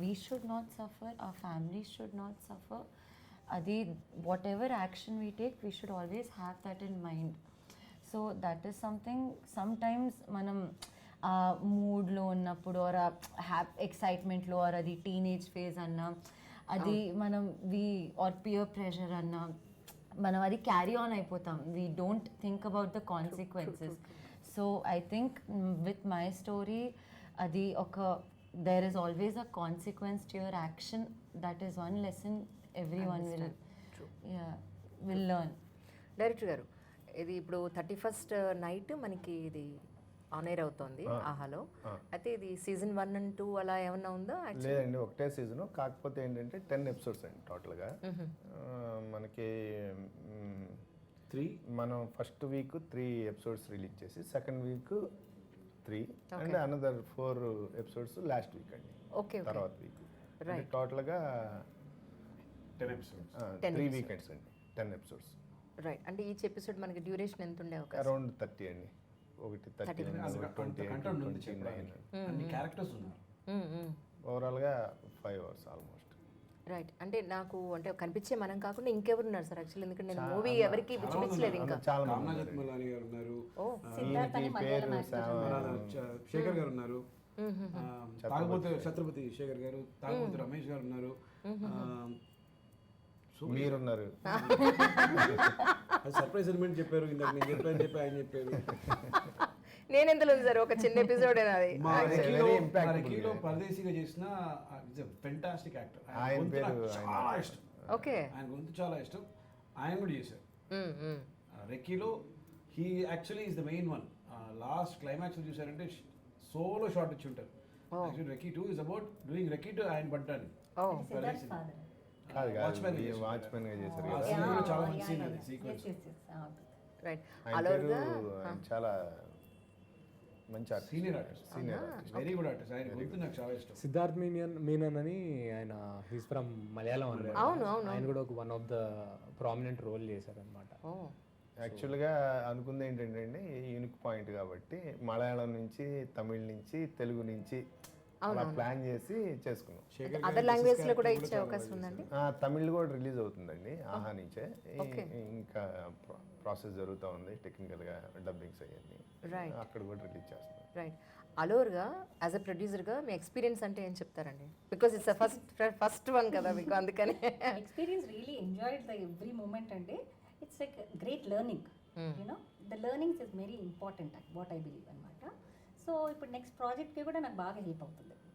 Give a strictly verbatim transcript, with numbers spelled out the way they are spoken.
we should not suffer, our families should not suffer. Adi, whatever action we take, we should always have that in mind. So that is something sometimes manam మూడ్లో ఉన్నప్పుడు or happy ఎక్సైట్మెంట్లో or అది teenage phase అన్నా అది మనం we are peer pressure అన్నా మనం అది క్యారీ ఆన్ అయిపోతాం. We don't think about the consequences. So I think with my story అది ఒక there is always a consequence to your action. That is one lesson everyone will will learn. Director గారు, ఇది ఇప్పుడు thirty first night మనకి ఇది on air అవుతుంది ఆహాలో. అయితే ఇది సీజన్ వన్ అండ్ టూ అలా ఏమన్నా ఉందా? లేదండి, ఒకటే సీజన్. కాకపోతే ఏంటంటే టెన్ ఎపిసోడ్స్ అండి టోటల్గా. మనకి త్రీ మనం first week three episodes release చేసి second week three and another four episodes last week అండి. ఓకే, తర్వాత వీక్ టోటల్గా టెన్ ఎపిసోడ్స్, త్రీ వీకెండ్స్ అండి, టెన్ ఎపిసోడ్స్. రైట్. అంటే ఈచ్ ఎపిసోడ్ మనకి డ్యూరేషన్ ఎంత ఉండే అవకాశం? అరౌండ్ థర్టీ అండి. ఒకటి థర్టీ ట్వంటీ నైన్ అన్ని క్యారెక్టర్స్ ఉన్నారు. ఓవరాల్గా ఫైవ్ అవర్స్ ఆల్మోస్ట్. రైట్. అంటే నాకు అంటే కనిపించే మనం కాకుండా ఇంకెవరు ఉన్నారు సార్? యాక్చువల్లీ ఎందుకంటే నేను మూవీ ఎవరికి చూపించలేదు ఇంకా. చాలా రామ్నాథ్ మలాని గారు ఉన్నారు, పేరు శేఖర్ గారు ఉన్నారు, తాగబోతు ఛత్రపతి శేఖర్ గారు, తాగబోతు రమేష్ గారు ఉన్నారు, మీరున్నారు. సర్ప్రైజ్ ఎలిమెంట్ చెప్పారు ఇందాక. నేను చెప్పాను చెప్పి ఆయన చెప్పారు. నేను ఎందులో సార్ ఒక చిన్న ఎపిసోడ్ అది మా రెక్కీలో పరదేశీగా చేసిన ఫెంటాస్టిక్ యాక్టర్. ఆయన పేరు చాలా ఇష్టం. ఓకే, ఆయన గొంతు చాలా ఇష్టం. ఆయన కూడా చేశారు రెక్కీలో. He actually is the main one. Last climax చూసారంటే సోలో షాట్ ఇచ్చి ఉంటారు. Actually recce two is about doing recce to ఆయన పడ్డాను. కాదు కాదు వాచ్మెన్ గా చేశారు కదా. చాలా మంచి సీన్ అది, సీక్వెన్స్. రైట్. చాలా మంచి senior artist, senior very good artist. ఆయన గొంతు నాకు చాలా ఇష్టం. సిద్ధార్థ్ మీనన్ మీనన్ అని ఆయన, హీస్ ఫ్రమ్ మలయాళం అన్నమాట. ఆయన కూడా ఒక one of the prominent role చేశారు అనమాట. యాక్చువల్గా అనుకుంది ఏంటంటే అండి, యూనిక్ పాయింట్ కాబట్టి మలయాళం నుంచి, తమిళ్ నుంచి, తెలుగు నుంచి అలా ప్లాన్ చేసి చేసుకున్నాం. అదర్ లాంగ్వేజ్ లో కూడా ఇచ్చే అవకాశం ఉందండి. తమిళ్ కూడా రిలీజ్ అవుతుందండి ఆహా నుంచే. ఇంకా ప్రాసెస్ జరుగుతూ ఉంది టెక్నికల్గా, డబ్బింగ్స్ అవన్నీ అక్కడ కూడా రిలీజ్ చేస్తున్నాం. రైట్. అలోర్గా యాజ్ అ ప్రొడ్యూసర్గా మీ ఎక్స్పీరియన్స్ అంటే ఏం చెప్తారండి? Because it's first first one కదా మీకు, అందుకని. Experience really enjoyed the every moment అండి. It's like great learning. You know the learnings is very important what I believe అనమాట. సో ఇప్పుడు నెక్స్ట్ ప్రాజెక్ట్కి కూడా నాకు బాగా హెల్ప్ అవుతుంది.